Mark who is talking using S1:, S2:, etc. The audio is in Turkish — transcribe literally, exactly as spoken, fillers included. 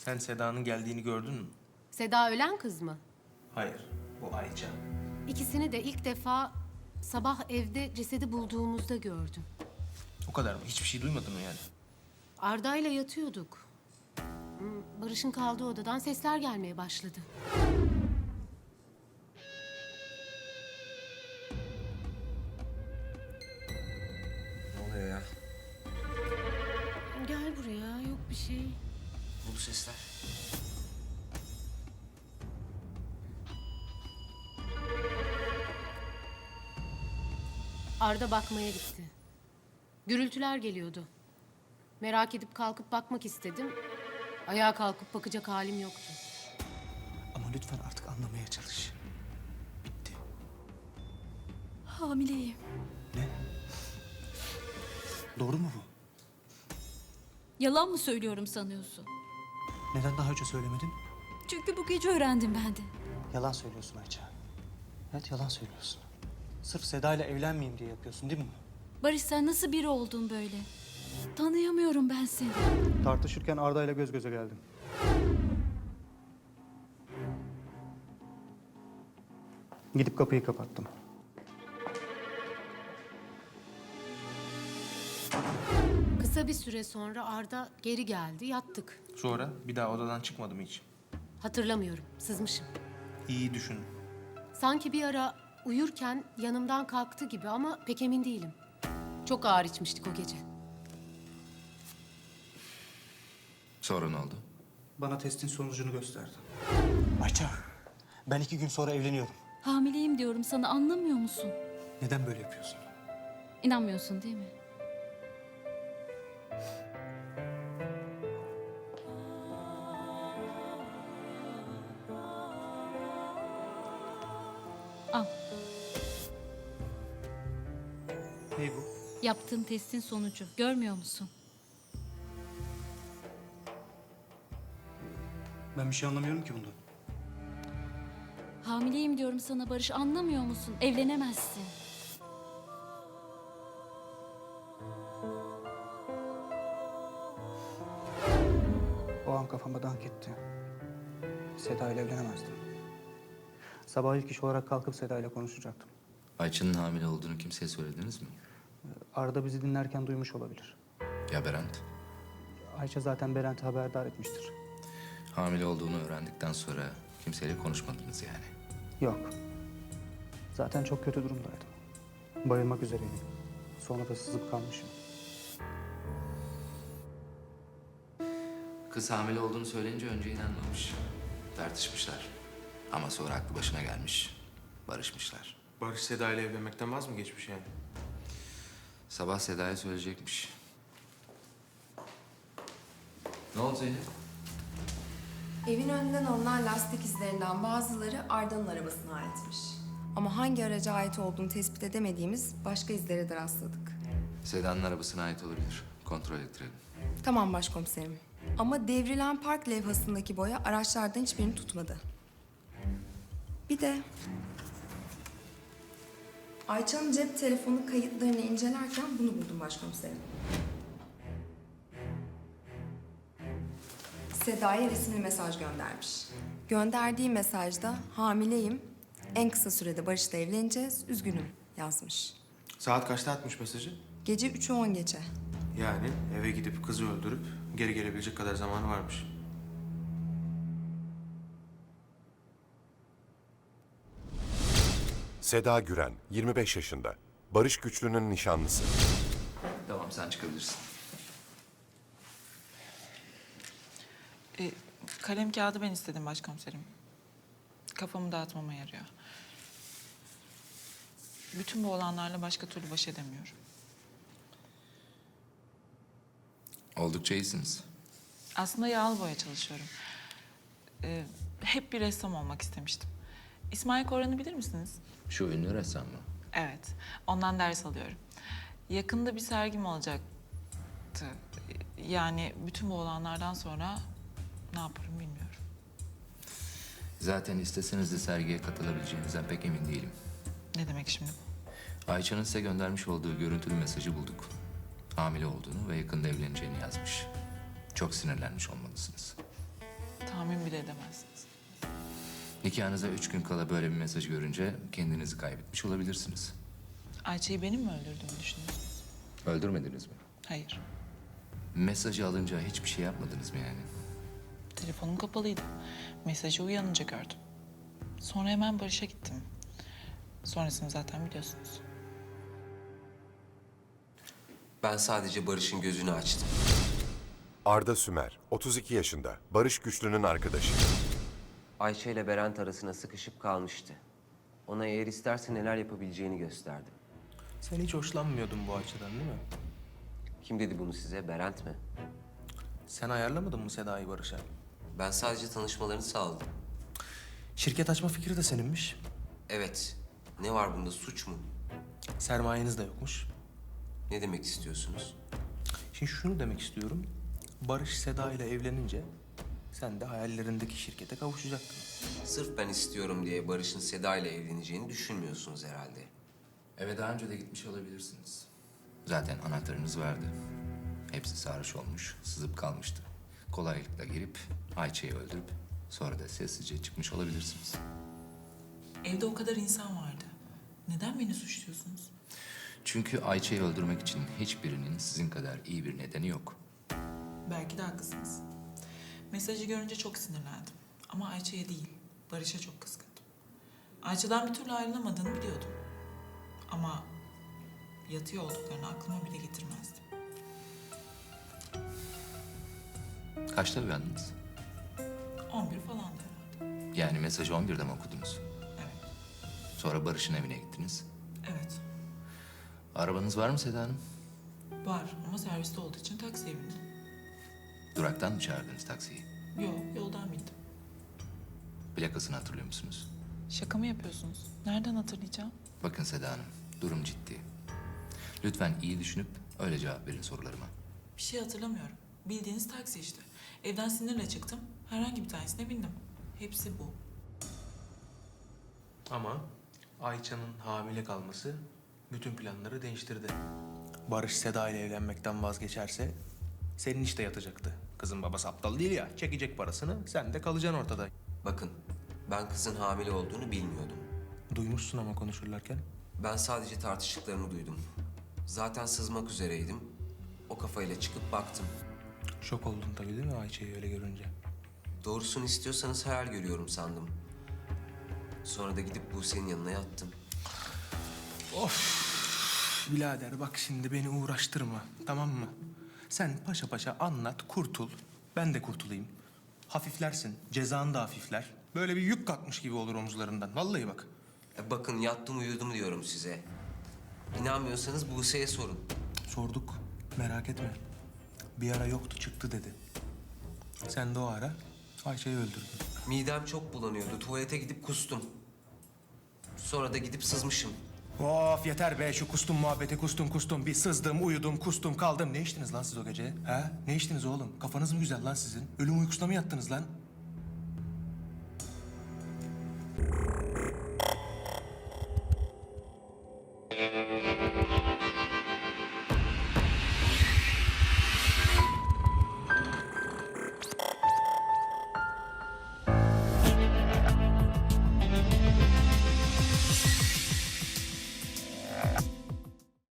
S1: Sen Seda'nın geldiğini gördün mü?
S2: Seda ölen kız mı?
S1: Hayır, bu Ayça.
S2: İkisini de ilk defa sabah evde cesedi bulduğumuzda gördüm.
S1: O kadar mı? Hiçbir şey duymadın mı yani?
S2: Arda'yla yatıyorduk. Hmm, Barış'ın kaldığı odadan sesler gelmeye başladı.
S1: Ne oluyor ya?
S2: Gel buraya, yok bir şey.
S1: Bu sesler.
S2: Arda bakmaya gitti. Gürültüler geliyordu. Merak edip kalkıp bakmak istedim. Ayağa kalkıp bakacak halim yoktu.
S3: Ama lütfen artık anlamaya çalış. Bitti.
S4: Hamileyim.
S3: Ne? Doğru mu bu?
S4: Yalan mı söylüyorum sanıyorsun?
S3: Neden daha önce söylemedin?
S4: Çünkü bu gece öğrendim ben de.
S3: Yalan söylüyorsun Ayça. Evet, yalan söylüyorsun. Sırf Seda ile evlenmeyeyim diye yapıyorsun değil mi?
S4: Barış, sen nasıl biri oldun böyle? Tanıyamıyorum ben seni.
S3: Tartışırken Arda ile göz göze geldim. Gidip kapıyı kapattım.
S2: Kısa bir süre sonra Arda geri geldi, yattık.
S1: Sonra bir daha odadan çıkmadı mı hiç?
S2: Hatırlamıyorum, sızmışım.
S1: İyi düşün.
S2: Sanki bir ara uyurken yanımdan kalktı gibi ama pek emin değilim. Çok ağır içmiştik o gece.
S5: Sonra ne oldu?
S3: Bana testin sonucunu gösterdi. Ayça, ben iki gün sonra evleniyorum.
S4: Hamileyim diyorum sana, anlamıyor musun?
S3: Neden böyle yapıyorsun?
S4: İnanmıyorsun değil mi? Al,
S3: Ne bu?
S4: yaptığım testin sonucu. Görmüyor musun?
S3: Ben bir şey anlamıyorum ki bundan.
S4: Hamileyim diyorum sana Barış, anlamıyor musun? Evlenemezsin.
S3: O an kafama dank etti. Seda ile evlenemezdim. Sabah ilk iş olarak kalkıp Seda ile konuşacaktım.
S5: Ayça'nın hamile olduğunu kimseye söylediniz mi?
S3: Arda bizi dinlerken duymuş olabilir.
S5: Ya Berent?
S3: Ayça zaten Berent'i haberdar etmiştir.
S5: Hamile olduğunu öğrendikten sonra kimseyle konuşmadınız yani.
S3: Yok. Zaten çok kötü durumdaydım. Bayılmak üzereydim. Sonra da sızıp kalmışım.
S5: Kız hamile olduğunu söyleyince önce inanmamış. Tartışmışlar. Ama sonra aklı başına gelmiş. Barışmışlar.
S1: Barış Seda ile evlenmekten vaz mı geçmiş yani?
S5: Sabah Seda'ya söyleyecekmiş. Ne oldu Zeynep?
S6: Evin önünden alınan lastik izlerinden bazıları Arda'nın arabasına aitmiş. Ama hangi araca ait olduğunu tespit edemediğimiz başka izlere de rastladık.
S5: Seda'nın arabasına ait olabilir. Kontrol ettirelim.
S6: Tamam başkomiserim. Ama devrilen park levhasındaki boya araçlardan hiçbirini tutmadı. Bir de Ayça'nın cep telefonu kayıtlarını incelerken bunu buldum başkomiserim. Seda'ya resimli mesaj göndermiş. Gönderdiği mesajda hamileyim, en kısa sürede Barış'la evleneceğiz, üzgünüm yazmış.
S1: Saat kaçta atmış mesajı?
S6: Gece üçü on geçe.
S1: Yani eve gidip kızı öldürüp geri gelebilecek kadar zamanı varmış.
S7: Seda Güren, yirmi beş yaşında. Barış Güçlü'nün nişanlısı.
S5: Tamam, sen çıkabilirsin.
S8: E, kalem kağıdı ben istedim başkomiserim. Kafamı dağıtmama yarıyor. Bütün bu olanlarla başka türlü baş edemiyorum.
S5: Oldukça iyisiniz.
S8: Aslında yağlı boya çalışıyorum. E, hep bir ressam olmak istemiştim. İsmail Koran'ı bilir misiniz?
S5: Şu ünlü ressam mı?
S8: Evet, ondan ders alıyorum. Yakında bir sergim olacaktı. Yani bütün bu olanlardan sonra ne yaparım bilmiyorum.
S5: Zaten isteseniz de sergiye katılabileceğinizden pek emin değilim.
S8: Ne demek şimdi bu?
S5: Ayça'nın size göndermiş olduğu görüntülü mesajı bulduk. Hamile olduğunu ve yakında evleneceğini yazmış. Çok sinirlenmiş olmalısınız.
S8: tahmin bile edemezsiniz.
S5: Nikahınıza üç gün kala böyle bir mesaj görünce kendinizi kaybetmiş olabilirsiniz.
S8: Ayça'yı benim mi öldürdüğümü düşünüyorsunuz?
S5: Öldürmediniz mi?
S8: Hayır.
S5: Mesajı alınca hiçbir şey yapmadınız mı yani?
S8: Telefonum kapalıydı. Mesajı uyanınca gördüm. Sonra hemen Barış'a gittim. Sonrasını zaten biliyorsunuz.
S9: Ben sadece Barış'ın gözünü açtım.
S7: Arda Sümer, otuz iki yaşında, Barış Güçlü'nün arkadaşı.
S9: Ayşe ile Berent arasına sıkışıp kalmıştı. Ona eğer isterse neler yapabileceğini gösterdim.
S1: Sen hiç hoşlanmıyordun bu açıdan değil mi?
S9: Kim dedi bunu size? Berent mi?
S1: Sen ayarlamadın mı Seda'yı Barış'a?
S9: Ben sadece tanışmalarını sağladım.
S1: Şirket açma fikri de seninmiş.
S9: Evet. Ne var bunda? Suç mu?
S1: Sermayeniz de yokmuş.
S9: Ne demek istiyorsunuz?
S1: Şimdi şunu demek istiyorum. Barış Seda ile evlenince sen de hayallerindeki şirkete kavuşacaktın.
S9: Sırf ben istiyorum diye Barış'ın Seda ile evleneceğini düşünmüyorsunuz herhalde.
S5: Eve daha önce de gitmiş olabilirsiniz. Zaten anahtarınız vardı. Hepsi sarhoş olmuş, sızıp kalmıştı. Kolaylıkla girip Ayça'yı öldürüp sonra da sessizce çıkmış olabilirsiniz.
S8: Evde o kadar insan vardı. Neden beni suçluyorsunuz?
S5: Çünkü Ayça'yı öldürmek için hiçbirinin sizin kadar iyi bir nedeni yok.
S8: Belki de haklısınız. Mesajı görünce çok sinirlendim. Ama Ayça'ya değil, Barış'a çok kızgındım. Ayça'dan bir türlü ayrılamadığını biliyordum. Ama yatıyor olduklarını aklıma bile getirmezdim.
S5: Kaçta uyandınız?
S8: On bir falandı herhalde.
S5: Yani mesajı on birde mi okudunuz?
S8: Evet,
S5: Sonra Barış'ın evine gittiniz.
S8: evet.
S5: Arabanız var mı Seda Hanım?
S8: Var ama serviste olduğu için taksiye bindim.
S5: Duraktan mı çağırdınız taksiyi?
S8: Yok, yoldan bindim.
S5: Plakasını hatırlıyor musunuz?
S8: Şaka mı yapıyorsunuz? Nereden hatırlayacağım?
S5: Bakın Seda Hanım, durum ciddi. Lütfen iyi düşünüp öyle cevap verin sorularıma.
S8: Bir şey hatırlamıyorum. Bildiğiniz taksi işte. Evden sinirle çıktım. Herhangi bir tanesine bindim. Hepsi bu.
S1: Ama Ayça'nın hamile kalması bütün planları değiştirdi. Barış Seda ile evlenmekten vazgeçerse senin işte yatacaktı. Kızın babası aptal değil ya. Çekecek parasını, sen de kalacaksın ortada.
S9: Bakın, ben kızın hamile olduğunu bilmiyordum.
S1: Duymuşsun ama konuşurlarken.
S9: Ben sadece tartıştıklarını duydum. Zaten sızmak üzereydim. O kafayla çıkıp baktım.
S1: Şok oldun tabii değil mi Ayça'yı öyle görünce?
S9: Doğrusunu istiyorsanız hayal görüyorum sandım. Sonra da gidip Buse'nin yanına yattım.
S1: Birader bak şimdi beni uğraştırma, tamam mı? Sen paşa paşa anlat, kurtul. Ben de kurtulayım. Hafiflersin, cezan da hafifler. Böyle bir yük kalkmış gibi olur omuzlarından. Vallahi bak.
S9: E bakın yattım uyudum diyorum size. İnanmıyorsanız Buse'ye sorun.
S1: Sorduk, merak etme. Bir ara yoktu, çıktı dedi. Sen de o ara Ayşe'yi öldürdün.
S9: Midem çok bulanıyordu. Tuvalete gidip kustum. Sonra da gidip sızmışım.
S1: Of yeter be şu kustum muhabbeti, kustum kustum. Bir sızdım, uyudum, kustum, kaldım. Ne içtiniz lan siz o gece? Ha? Ne içtiniz oğlum? Kafanız mı güzel lan sizin? Ölüm uykusuna mı yattınız lan?